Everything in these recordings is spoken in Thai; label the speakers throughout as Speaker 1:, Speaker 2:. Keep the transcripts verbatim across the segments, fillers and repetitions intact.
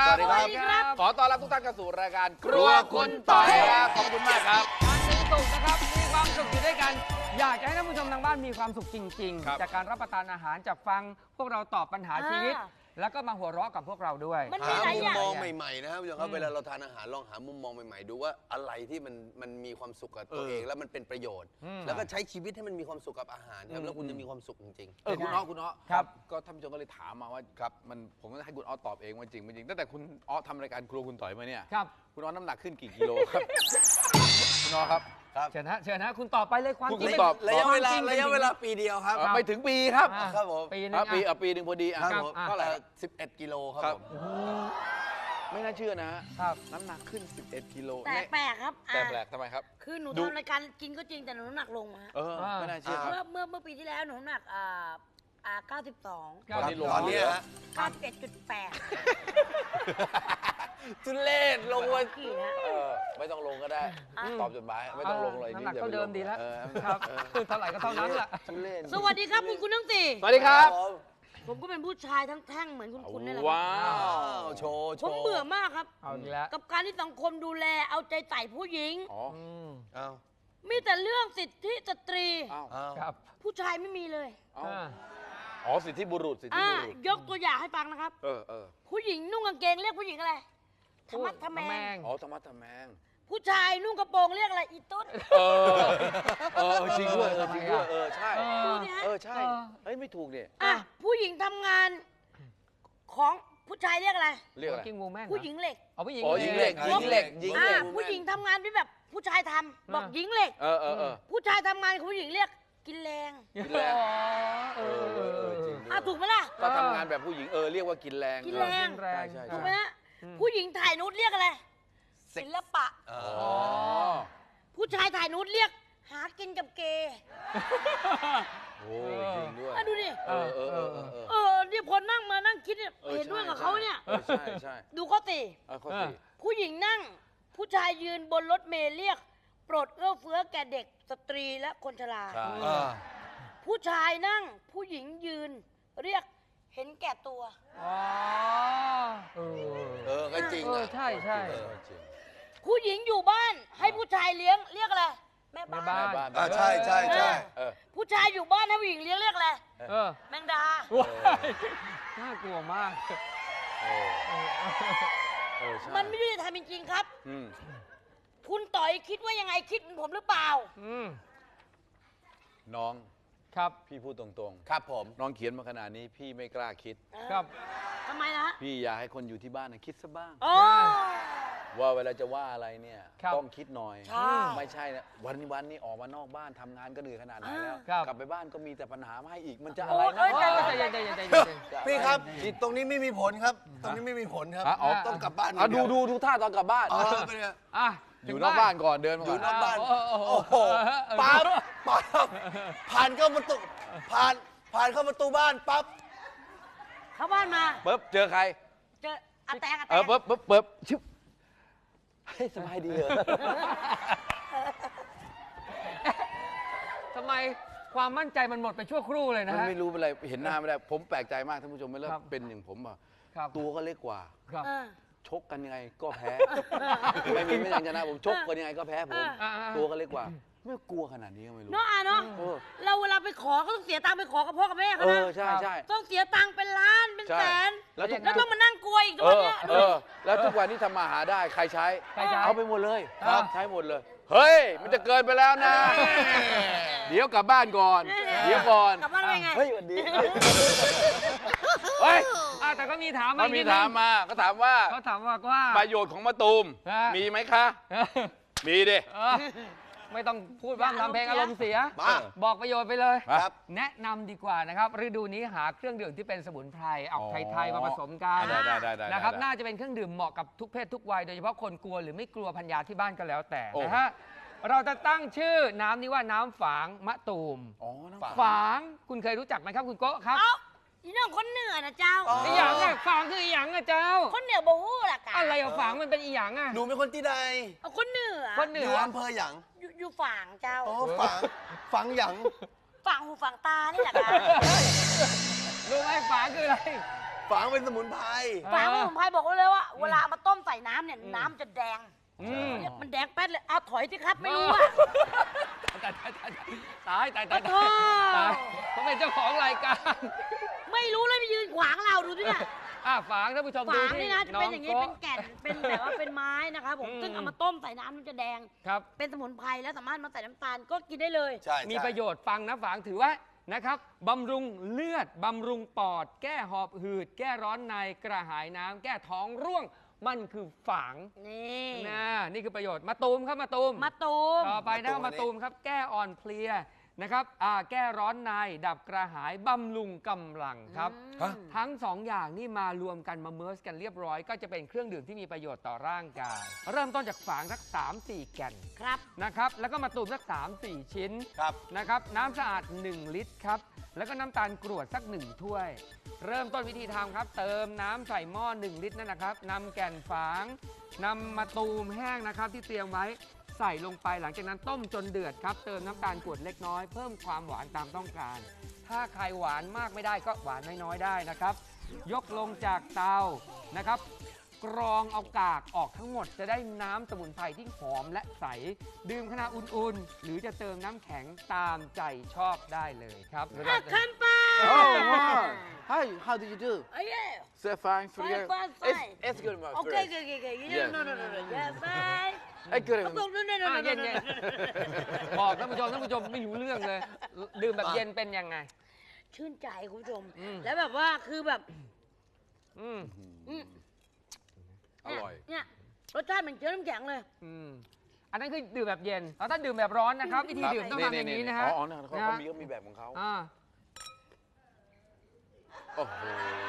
Speaker 1: สวัสดีครับขอต้อนรับทุกท่านเข้าสู่รายการครัวคุณต่อยครับขอบคุณมากครับ
Speaker 2: วันศุกร์นะครับมีความสุขอยู่ด้วยกันอยากจะให้ท่านผู้ชมทางบ้านมีความสุขจริงๆจากการรับประทานอาหารจากฟังพวกเราตอบปัญหาชีวิตแล้วก็มาหัวเราะกับพวกเราด้วย
Speaker 3: หามุมมองใหม่ๆนะครับผู้ชมครับเวลาเราทานอาหารลองหามุมมองใหม่ๆดูว่าอะไรที่มันมันมีความสุขกับตัวเองแล้วมันเป็นประโยชน์แล้วก็ใช้ชีวิตให้มันมีความสุขกับอาหารครับแล้วคุณจะมีความสุขจริงๆ
Speaker 1: เออคุณอ้อคุณอ้อครับก็ท่านผู้ชมก็เลยถามมาว่าครับมันผมก็ให้คุณอ้อตอบเองว่าจริงไม่จริงตั้งแต่คุณอ้อทำรายการครัวคุณต่อยมาเนี่ย
Speaker 2: ครับ
Speaker 1: คุณอ้อน้ำหนักขึ้นกี่กิโลครับคุณอ้อครับ
Speaker 2: เชิญฮะเชิญฮะคุณตอบไปเลยความจริง
Speaker 1: ตอบ
Speaker 3: ระยะเวลาระยะเวลาปีเดียวครับ
Speaker 1: ไม่ถึงปีครับ
Speaker 3: ครับผม
Speaker 2: ปีนึง
Speaker 1: ปีปีหนึ่งพอดีอ่ะ
Speaker 3: เท่าไหร่สิบเอ็ดกิโลครับผม
Speaker 1: ไม่น่าเชื่อนะครับน้ำหนักขึ้นสิบเอ็ดกิโล
Speaker 4: แต่แปลกครับ
Speaker 1: แต่แปลกทำไมครับ
Speaker 4: คือหนูทำรายการกินก็จริงแต่หนูน้ำหนักลงมา
Speaker 1: เออไม่น่าเชื่อ
Speaker 4: เมื่อเมื่อเมื่อปีที่แล้วหนูน้ำหนักอ่าอ่าเก้าสิบสอง
Speaker 1: ตอนนี้ลงต
Speaker 3: อนนี้ฮะ
Speaker 4: เก้าสิบเอ็ดจุดแปด
Speaker 3: จุเล่ลงวัน
Speaker 4: กี่นะ
Speaker 1: เออไม่ต้องลงก็ได้ตอบจดหมายไม่ต้องลงเลย
Speaker 2: น้ำหนักก็เดิมดีแล้วครับเท่าไหร่ก็เท่านั้นแหละ
Speaker 4: สวัสดีครับคุณคุณทั้งสี่
Speaker 1: สวัสดีครับ
Speaker 4: ผมก็เป็นผู้ชายทั้งแท่งเหมือนคุณคุณนี่แหละ
Speaker 1: ว้าว
Speaker 3: โชว์
Speaker 4: ผมเบื่อมากครับ
Speaker 2: เอาอีกแล้ว
Speaker 4: กับการที่สังคมดูแลเอาใจใส่ผู้หญิง
Speaker 1: อ๋อ
Speaker 3: เอา
Speaker 4: มีแต่เรื่องสิทธิสตรี
Speaker 2: ครับ
Speaker 4: ผู้ชายไม่มีเลย
Speaker 1: อ๋อสิทธิบุรุษสิทธิบุรุษ
Speaker 4: ยกตัวอย่างให้ฟังนะครับ
Speaker 1: เออเออ
Speaker 4: ผู้หญิงนุ่งกางเกงเรียกผู้หญิงอะไรธรรมะทแมง
Speaker 1: อ๋อธรรมะทแมง
Speaker 4: ผู้ชายนุ่งกระโปรงเรียกอะไรอีตุ๊ด
Speaker 1: เออเออจริงด้วยจริงด้วยเออใช่เออใช่เฮ้ยไม่ถูกเนี่ย
Speaker 4: อ่ะผู้หญิงทำงานของผู้ชายเรียกอะไร
Speaker 1: เรียกอะไร
Speaker 4: ผู้หญิงเหล็ก
Speaker 2: อ๋อผู้หญิง
Speaker 1: อ๋อหญิงเหล็กหญิงเหล็กหญิงเหล็ก
Speaker 4: ผู้หญิงทำงานที่แบบผู้ชายทำบอกหญิงเหล็ก
Speaker 1: เออเออ
Speaker 4: ผู้ชายทำงานผู้หญิงเรียกกินแรง
Speaker 1: กินแรง
Speaker 2: เออ
Speaker 1: จริง
Speaker 4: อ่ะถูกไหมล่ะ
Speaker 1: ก็ทำงานแบบผู้หญิงเออเรียกว่ากินแรง
Speaker 4: กินแรง
Speaker 1: ใช่ใช่
Speaker 4: ถูกไหมฮะผู้หญิงถ่ายนุชเรียกอะไรศิลปะผู้ชายถ่ายนุชเรียกหากินกับเกย์
Speaker 1: โอ้จริงด้วย
Speaker 4: ดูดิ
Speaker 1: เออเออเออ
Speaker 4: เออเนี่ยพอนั่งมานั่งคิดเนี่ยเห็นด้วยกับเขาเนี่ย
Speaker 1: ใช่ใช่
Speaker 4: ดูข้อสี่ผู้หญิงนั่งผู้ชายยืนบนรถเมล์เรียกโปรดเอื้อเฟื้อแก่เด็กสตรีและคนชราผู้ชายนั่งผู้หญิงยืนเรียกเห็นแก่ตัว
Speaker 2: อ๋อ
Speaker 3: เออเออก็จริงอ่ะ
Speaker 2: ใช่ใช่
Speaker 4: ผู้หญิงอยู่บ้านให้ผู้ชายเลี้ยงเรียกอะไรแม่บ้าน
Speaker 3: อ่าใช่ใช่ใช่
Speaker 4: ผู้ชายอยู่บ้านให้ผู้หญิงเลี้ยงเรียกอะไรแมงดา
Speaker 2: น่ากลัวมาก
Speaker 4: มันไม่ยุติธรรมจริงๆครับคุณต่อยคิดว่ายังไงคิดเหมือนผมหรือเปล่า
Speaker 1: น้อง
Speaker 2: ครับ
Speaker 1: พี่พูดตรง
Speaker 3: ๆครับผม
Speaker 1: น้องเขียนมาขนาดนี้พี่ไม่กล้าคิด
Speaker 2: ครับ
Speaker 4: ทำไมล่ะ
Speaker 1: พี่อยากให้คนอยู่ที่บ้านคิดซะบ้างว่าเวลาจะว่าอะไรเนี่ยต้องคิดหน่อยไม่ใช่นะวันนี้วันนี้ออกมานอกบ้านทำงานก็เหนื่อยขนาดไหนแล้วกลับไปบ้านก็มีแต่ปัญหามาให้อีกมันจะอะไรนะ
Speaker 3: พี่ครับตรงนี้ไม่มีผลครับตรงนี้ไม่มีผลครับต้องกลับบ้าน
Speaker 1: ดูดูดูท่าตอนกลับบ้าน
Speaker 2: อ่ะ
Speaker 1: อยู่นอกบ้านก่อนเดินมา
Speaker 3: อยู่นอกบ้านโอ้โหปั๊บปั๊บผ่านเข้าประตูผ่านผ่านเข้าประตูบ้านปั๊บ
Speaker 4: เข้าบ้านมา
Speaker 1: ปุ๊บเจอใคร
Speaker 4: เจออาแตงอาแตง
Speaker 1: เออปุ๊บปุ๊บปุ๊บชิบให้สบายดีเหรอ
Speaker 2: ทำไมความมั่นใจมันหมดไปชั่วครู่เลยนะ
Speaker 1: มันไม่รู้เป็นไรเห็นหน้าไม่ได้ผมแปลกใจมากท่านผู้ชมไม่เลิกเป็นอย่างผมอ่ะตัวก็เล็กกว่าชกกันยังไงก็แพ้ไม่มีไม่ยังชนะผมชกกันยังไงก็แพ้ผมตัวก็เล็กกว่าไม่กลัวขนาดนี้ก็ไม่รู้
Speaker 4: เนาะอ่ะเนาะเราเวลาไปขอก็ต้องเสียตังค์ไปขอกับพ่อกับแม่เขานะ
Speaker 1: ใช่ใช่
Speaker 4: ต้องเสียตังค์เป็นล้านเป็นแสนแล้วต้องมานั่งกลัวอีกทุกวันนี้
Speaker 1: เออแล้วทุกวันนี้ทำมาหาได้ใครใช้เอาไปหมดเลยใช้หมดเลยเฮ้ยมันจะเกินไปแล้วนะเดี๋ยวกลับบ้านก่อนเดี๋ยวก่อน
Speaker 4: กลับบ้านไปไง
Speaker 1: เฮ้ยวันดีเฮ้ย
Speaker 2: แต่ก็มีถาม
Speaker 1: มามีถามมาก็ถามว่า
Speaker 2: เขาถามว่าว่า
Speaker 1: ประโยชน์ของมะตูมมีไหมคะมีดิ
Speaker 2: ไม่ต้องพูดว่าทำเพลงอารมณ์เสียบอกประโยชน์ไปเลยแนะนำดีกว่านะครับฤดูนี้หาเครื่องดื่มที่เป็นสมุนไพรออกไทยๆมาผสมกันนะครับน่าจะเป็นเครื่องดื่มเหมาะกับทุกเพศทุกวัยโดยเฉพาะคนกลัวหรือไม่กลัวพันยาที่บ้านก็แล้วแต่นะฮะเราจะตั้งชื่อน้ำนี้ว่าน้ำฝางมะตูมฝางคุณเคยรู้จักไหมครับคุณโก้ครับ
Speaker 4: อีน้องคนเหนือนะเจ้า
Speaker 2: อีหยังอะฝางคืออีหยังอะเจ้า
Speaker 4: คนเหนือบ่ฮู้ล่ะกะ
Speaker 2: อะไรอะฝางมันเป็นอีหยังอะ
Speaker 3: หนูเป็นคนที่ใด
Speaker 4: คนเหนือ
Speaker 2: คนเหนือ
Speaker 3: อยู่อำเภอหยัง
Speaker 4: อยู่ฝางเจ้า
Speaker 3: อ๋อฝางฝางหยัง
Speaker 4: ฝางหูฝางตานี่แหละกะ
Speaker 2: รู้ไหมฝางคืออะไร
Speaker 3: ฝางเป็นสมุนไพร
Speaker 4: ฝางสมุนไพรบอกไว้เลยว่า เวลาเอามาต้มใส่น้ำเนี่ยน้ำจะแดง
Speaker 2: อืม
Speaker 4: เนี่ยมันแดงแป๊ดเลยเอาถอยสิครับไม่รู้อะ
Speaker 2: ตายตายตายตายตายตาย
Speaker 4: โอ้
Speaker 2: ตายเขาเป็นเจ้าของรายการ
Speaker 4: ไม่รู้เลยไปยืนขวางเราดูสิเนี่ย
Speaker 2: อ่ะฝางท่านผู้ชมดู
Speaker 4: ฝาง
Speaker 2: ที่
Speaker 4: นี่นะจะเป็นอย่างนี้
Speaker 2: โ
Speaker 4: เป็นแก่นเป็นแบบว่าเป็นไม้นะครับผม
Speaker 2: อืม
Speaker 4: ซึ่งเอามาต้มใส่น้ำมันจะแดง
Speaker 2: ครับ
Speaker 4: เป็นสมุนไพรแล้วสามารถมาใส่น้ำตาลก็กินได้เลย
Speaker 3: ใช่
Speaker 2: มีประโยชน์ฟังนะฝางถือว่านะครับบำรุงเลือดบำรุงปอด แก้หอบหืด แก้ร้อนในกระหายน้ำแก้ท้องร่วงมันคือฝาง
Speaker 4: นี่
Speaker 2: นะนี่คือประโยชน์มาตูมครับมาตูม
Speaker 4: มะตูม
Speaker 2: ต่อไปนะครับมาตูมครับ แก้อ่อนเพลียนะครับอ่าแก้ร้อนในดับกระหายบำรุงกำลังครับ
Speaker 4: อืม
Speaker 2: ทั้งสองอย่างนี่มารวมกันมาเมิร์สกันเรียบร้อย ก็จะเป็นเครื่องดื่มที่มีประโยชน์ต่อร่างกาย เริ่มต้นจากฝางสัก สามสี่ แก่น
Speaker 4: ครับ
Speaker 2: นะครับแล้วก็มาตูมสัก สามสี่ ชิ้น
Speaker 3: ครับ
Speaker 2: นะครับน้ำสะอาด หนึ่ง ลิตรครับแล้วก็น้ำตาลกรวดสัก หนึ่ง ถ้วย เริ่มต้นวิธีทำครับ เติมน้ำใส่หม้อ หนึ่ง ลิตรนั่นนะครับนำแก่นฝางนำมาตูมแห้งนะครับที่เตรียมไว้ใส่ลงไปหลังจากนั้นต้มจนเดือดครับเติมน้ำตาลกรวดเล็กน้อยเพิ่มความหวานตามต้องการ ถ้าใครหวานมากไม่ได้ก็หวานน้อยๆได้นะครับ ยกลงจากเตานะครับ กรองเอากากออกทั้งหมดจะได้น้ำสมุนไพรที่หอมและใส ดื่มขณะอุ่นๆ หรือจะเติมน้ำแข็งตามใจชอบได้เลยครับ
Speaker 4: อ่ะคำปา
Speaker 1: Oh, wow. Hi, how did you do?
Speaker 4: เอ้ย
Speaker 1: So fine for
Speaker 4: Fine,
Speaker 1: you.
Speaker 4: fine,
Speaker 1: It's,
Speaker 4: fine.
Speaker 1: it's good, my
Speaker 4: โอเค
Speaker 1: friend.
Speaker 4: โอเคโอเค
Speaker 1: Yes.
Speaker 4: no no no no yes bye
Speaker 1: I good.
Speaker 4: โอเค no no no
Speaker 2: อ่ะ
Speaker 4: no
Speaker 2: เย็น
Speaker 4: no
Speaker 2: เย็น
Speaker 4: no
Speaker 2: บอกท่านผู้ชมท่านผู้ชมไม่รู้เรื่องเลย ดื่มแบบเย็นเป็นยังไง
Speaker 4: ชื่นใจคุณผู้ชม
Speaker 2: อืม
Speaker 4: แล้วแบบว่าคือแบบ
Speaker 2: อืม
Speaker 4: อืม
Speaker 1: อร่อย
Speaker 4: เนี่ยรสชาติเหมือนเชื้อน้ำแข็งเลย
Speaker 2: อืมอันนั้นคือดื่มแบบเย็นแล้วถ้าดื่มแบบร้อนนะครับ วิธีดื่มต้องทำอย่างนี้นะฮะ
Speaker 1: อ๋อเนี่ยเขาเขามีเขามีแบบของเขา
Speaker 2: อ่า
Speaker 1: โอ้โห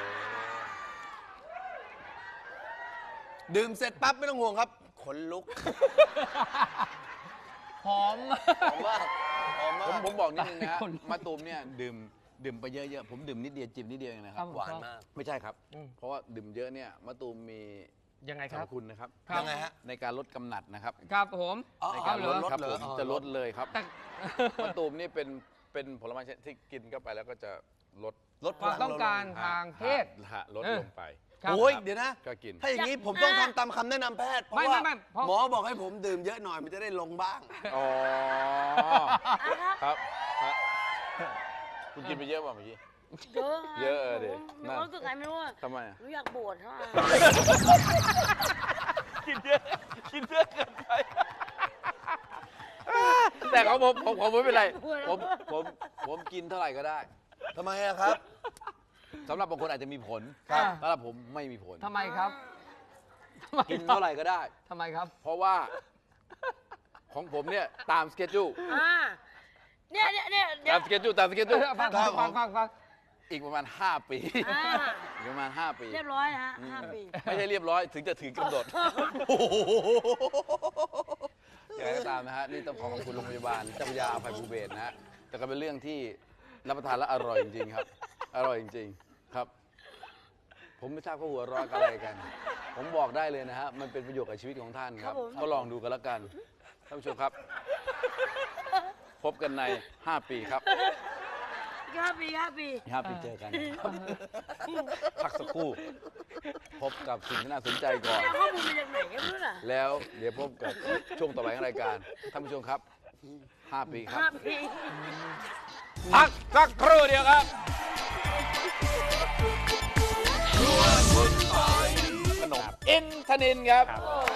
Speaker 3: ดื่มเสร็จปั๊บไม่ต้องห่วงครับ ขนลุก
Speaker 2: หอม
Speaker 3: หอมมากหอม
Speaker 1: ผม
Speaker 3: มาก
Speaker 1: ผมบอกนิดนึงนะฮะ
Speaker 2: คนลุก
Speaker 1: มะตูมเนี่ยดื่มดื่มไปเยอะๆ ผมดื่มนิดเดียวจิบนิดเดียวเองนะครับ
Speaker 2: ครับ
Speaker 3: หวานมาก
Speaker 1: ไม่ใช่ครับ
Speaker 2: อืม
Speaker 1: เพราะว่าดื่มเยอะเนี่ยมะตูมมี
Speaker 2: ยังไง
Speaker 1: ส
Speaker 2: ค
Speaker 1: ร
Speaker 2: รั
Speaker 1: ร
Speaker 2: บ
Speaker 1: พคุณนะครับ
Speaker 2: ครับ
Speaker 3: ยังไงฮะ
Speaker 1: ในการลดกำหนัดนะครับ
Speaker 2: ครับผม
Speaker 3: อ๋อ
Speaker 1: ในการลด
Speaker 3: ลด
Speaker 1: ครับ
Speaker 3: เหร
Speaker 1: ผ
Speaker 3: อ
Speaker 1: ม
Speaker 3: อ๋อ
Speaker 1: จะลดเลยครับ
Speaker 2: แต่
Speaker 1: มะตูมนี่เป็นเป็นผลไม้ชนิดที่กินเข้าไปแล้วก็จะลด
Speaker 3: ลด
Speaker 2: ความต้องการทางเพศ
Speaker 1: ฮะลด
Speaker 2: เออ
Speaker 1: ลงไป
Speaker 2: ครับ
Speaker 3: โอ้ยเดี๋ยวนะ
Speaker 1: ก็กิน
Speaker 3: ถ้าอย่างนี้ผมต้องทำตามคำแนะนำแพทย์ เพ
Speaker 2: ไม่
Speaker 3: ราะว่า
Speaker 2: ไม่ไม่เพราะ
Speaker 3: หมอบอกให้ผมดื่มเยอะหน่อยมันจะได้ลงบ้าง
Speaker 1: อ๋อ
Speaker 4: อ่ะครับ
Speaker 1: ครับครับคุณกินไปเยอะป่ะเมื่อกี้
Speaker 4: เยอะ
Speaker 1: เยอะเออดิ
Speaker 4: ผมมีความรู้สึกไงไม่รู้อะ
Speaker 1: ทำไมอะ
Speaker 4: หนูอยากบวชฮะ
Speaker 1: กินเยอะกินเยอะเกินไปแต่ของผมผมผมไม่เป็นไรผมผมผมกินเท่าไหร่ก็ได้
Speaker 3: ทำไมอะครับ
Speaker 1: สำหรับบางคนอาจจะมีผล
Speaker 2: ครับ
Speaker 1: สำหรับผมไม่มีผล
Speaker 2: ทำไมครับทำไม
Speaker 1: กิน
Speaker 2: ครับ
Speaker 1: เท่าไหร่ก็ได้
Speaker 2: ทำไมครับ
Speaker 1: เพราะว่าของผมเนี่ยตามสเกจจู
Speaker 4: อ่าเนี่ยเนี่ยเนี่ยเดี๋ย
Speaker 1: ตาว มสเกจจูตามสเกจจู
Speaker 2: ฟังฟังฟังฟังฟัง
Speaker 1: อีกประมาณห้าปี
Speaker 4: อ่า
Speaker 1: อีกประมาณห้าปี
Speaker 4: เรียบร้อยนะฮะห้าปี
Speaker 1: ไม่ใช่เรียบร้อยถึงจะถึงกำหนดอย่างไรก็ตามนะฮะนี่ต้องขอขอบคุณโรงพยาบาลเจ้าพระยาอภัยภูเบศรนะฮะแต่ก็เป็นเรื่องที่รับประทานแล้วอร่อยจริงๆครับ อร่อยจริงๆครับ ผมไม่ทราบเขาหัวเร้อนอะไรกัน ผมบอกได้เลยนะฮะมันเป็นประโยชน์กับชีวิตของท่านครับก็ลองดูกันแล้วกันท่านผู้ชมครับ พบกันในห้าปีครับ
Speaker 4: ห้าปีห้าปี
Speaker 1: ห้าปีเจอกันครับพักสักครู่ พบกับสิ่งที่น่าสนใจก่อน
Speaker 4: เอาข้อมูลมาจากไหนกันไม่รู้น่ะ
Speaker 1: แล้วเดี๋ยวพบกับช่วงต่อไปของรายการท่านผู้ชมครับห้าปีครับ
Speaker 4: ห้าปี
Speaker 1: พักสักครู่เดียวครับขนมอินทนินครับ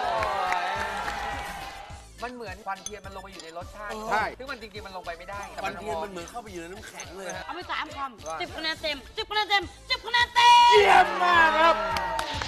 Speaker 2: มันเหมือนควันเทียนมันลงไปอยู่ในรสชาติ
Speaker 1: ใช่
Speaker 2: ซึ่งมันจริงๆมันลงไปไม่ได้แต่
Speaker 3: มันเทียน
Speaker 2: ห
Speaker 3: มันเหมือนเข้าไปอยู่ในน้ำแข็งเลยฮะ
Speaker 4: เอาไปสามค
Speaker 2: ว่า
Speaker 4: ำสิบคะแนนเต็มสิบคะแนนเต็มสิบคะแนนเต็ม
Speaker 1: เยี่ยมมากครับ